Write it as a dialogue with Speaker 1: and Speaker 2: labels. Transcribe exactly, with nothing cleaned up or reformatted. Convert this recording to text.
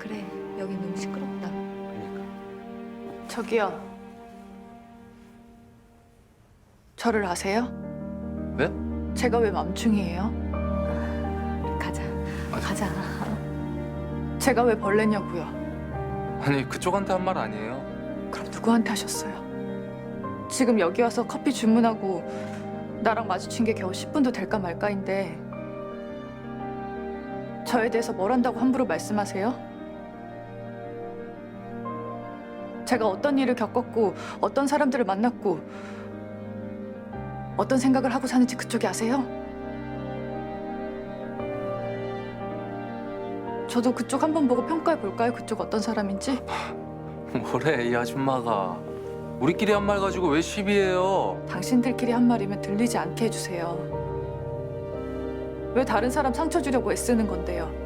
Speaker 1: 그래, 여기 너무 시끄럽다.
Speaker 2: 그러니까.
Speaker 3: 저기요. 저를 아세요?
Speaker 2: 왜?
Speaker 3: 제가 왜 맘충이에요?
Speaker 1: 우리 가자.
Speaker 2: 아,
Speaker 1: 가자.
Speaker 3: 제가 왜 벌레냐고요?
Speaker 2: 아니 그쪽한테 한 말 아니에요.
Speaker 3: 그럼 누구한테 하셨어요? 지금 여기 와서 커피 주문하고 나랑 마주친 게 겨우 십 분도 될까 말까인데 저에 대해서 뭘 한다고 함부로 말씀하세요? 제가 어떤 일을 겪었고 어떤 사람들을 만났고 어떤 생각을 하고 사는지 그쪽이 아세요? 저도 그쪽 한번 보고 평가해 볼까요? 그쪽 어떤 사람인지?
Speaker 2: 뭐래 이 아줌마가. 우리끼리 한 말 가지고 왜 시비해요?
Speaker 3: 당신들끼리 한 말이면 들리지 않게 해주세요. 왜 다른 사람 상처 주려고 애쓰는 건데요?